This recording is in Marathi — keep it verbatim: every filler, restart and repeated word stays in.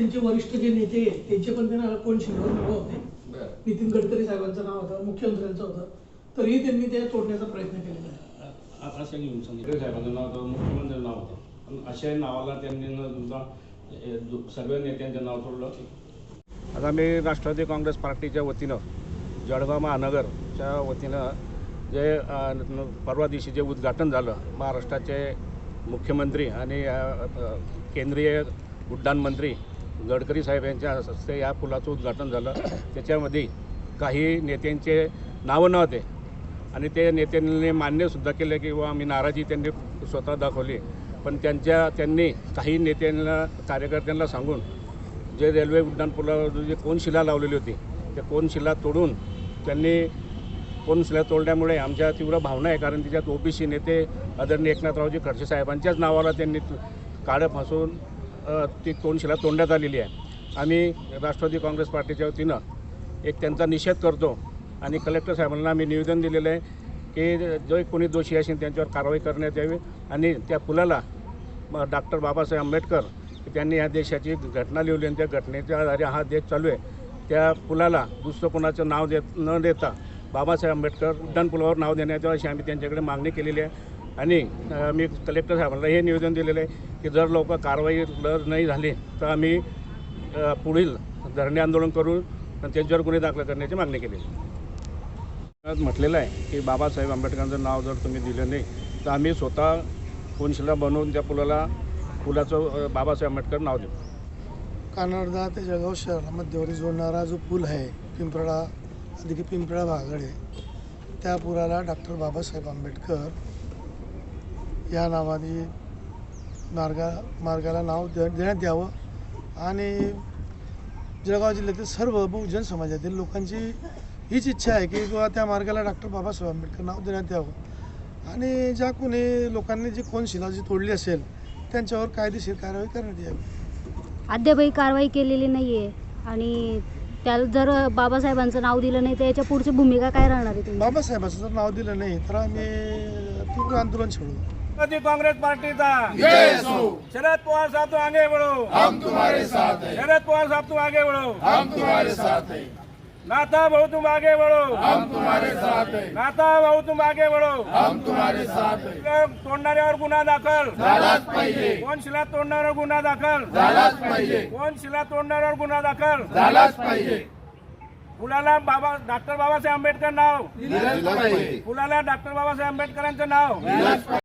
त्यांचे वरिष्ठ जे नेते आहेत त्यांचे पण त्यांना कोण शिल्लक नावं होते. नितीन गडकरी साहेबांचं नाव होतं, मुख्यमंत्र्यांचं होतं, तरीही त्यांनी ते तोडण्याचा प्रयत्न केलेला आहे. असं घेऊन सांगितलं साहेबांचं नाव होतं, मुख्यमंत्र्यांचं नाव होतं, पण अशा नावाला त्यांनी सुद्धा सर्व नेत्यांचं नाव तोडलं. आता मी राष्ट्रवादी काँग्रेस पार्टीच्या वतीनं जळगाव महानगरच्या वतीनं जे परवा दिवशी जे उद्घाटन झालं, महाराष्ट्राचे मुख्यमंत्री आणि केंद्रीय उड्डाण मंत्री गडकरी साहेब यांच्या हस्ते या पुलाचं उद्घाटन झालं. त्याच्यामध्ये काही नेत्यांचे नावं नव्हते आणि ते नेत्यांनी मान्यसुद्धा केले की वा आम्ही नाराजी त्यांनी स्वतः दाखवली. पण त्यांच्या त्यांनी काही नेत्यांना कार्यकर्त्यांना सांगून जे रेल्वे उड्डाणपुलावर जे कोनशिला लावलेली होती त्या कोनशिला तोडून त्यांनी कोनशिला तोडल्यामुळे आमच्या तीव्र भावना आहे. कारण तिच्यात ओबीसी नेते आदरणीय एकनाथरावजी खडसे साहेबांच्याच नावाला त्यांनी काळं फासून ती कोनशिला तोडण्यात आलेली आहे. आम्ही राष्ट्रवादी काँग्रेस पार्टीच्या वतीनं एक त्यांचा निषेध करतो आणि कलेक्टर साहेबांना आम्ही निवेदन दिलेलं आहे की जो कोणी दोषी असेल त्यांच्यावर कारवाई करण्यात यावी आणि त्या पुलाला डॉक्टर बाबासाहेब आंबेडकर त्यांनी या देशाची घटना लिहिली आणि त्या घटनेच्या आधारे हा देश चालू आहे. त्या पुलाला दुसरं कोणाचं नाव देत न देता बाबासाहेब आंबेडकर उड्डाणपुलावर नाव देण्यात यावं अशी आम्ही त्यांच्याकडे मागणी केलेली आहे. आणि मी कलेक्टर साहेबांना हे निवेदन दिलेलं आहे की जर लवकर कारवाई जर नाही झाली तर आम्ही पुढील धरणे आंदोलन करू आणि त्यांच्यावर गुन्हे दाखल करण्याची मागणी केलेली आहे. म्हटलेलं आहे की बाबासाहेब आंबेडकरांचं नाव जर तुम्ही दिलं नाही तर आम्ही स्वतः कोनशिला बनवून त्या पुलाला पुलाचं बाबासाहेब आंबेडकर नाव देऊ. कानडदा ते जळगाव शहराला मध्यवर्ती जोडणारा जो पूल आहे पिंपळा अधिक पिंपळा भागाकडे, त्या पुलाला डॉक्टर बाबासाहेब आंबेडकर या नावाने मार्गा मार्गाला नाव दे देण्यात यावं आणि जळगाव जिल्ह्यातील सर्व बहुजन समाजातील लोकांची हीच इच्छा आहे की किंवा त्या मार्गाला डॉक्टर बाबासाहेब आंबेडकर नाव देण्यात यावं आणि ज्या कोणी लोकांनी जी कोनशिला जी तोडली असेल त्यांच्यावर कायदेशीर कारवाई करण्यात यावी. अद्यापही कारवाई केलेली नाही आहे आणि त्याला जर बाबासाहेबांचं नाव दिलं नाही तर याच्या पुढची भूमिका काय राहणार आहे? बाबासाहेबांचं जर नाव दिलं नाही तर आम्ही तीव्र आंदोलन छेडू. कांग्रेस पार्टी का शरद पवार साहब तो आगे बढ़ो, हम तुम्हारे साथ हैं. शरद पवार साहब तुम आगे बढ़ो, हम तुम्हारे साथ हैं. नाथा भाऊ तुम आगे बढ़ो, हम तुम्हारे साथ हैं. नाथा भाऊ तुम आगे बढ़ो, हम तुम्हारे साथ हैं. तोडणाऱ्यावर गुन्हा दाखल झालाच पाहिजे. कोनशिला तोडणाऱ्यावर गुन्हा दाखल झालाच पाहिजे. कोनशिला तोडणाऱ्यावर गुन्हा दाखल झालाच पाहिजे. पुलाला बाबा डॉक्टर बाबासाहेब आंबेडकर नाव दिलंच पाहिजे. पुलाला डॉक्टर बाबासाहेब आंबेडकरांचं नाव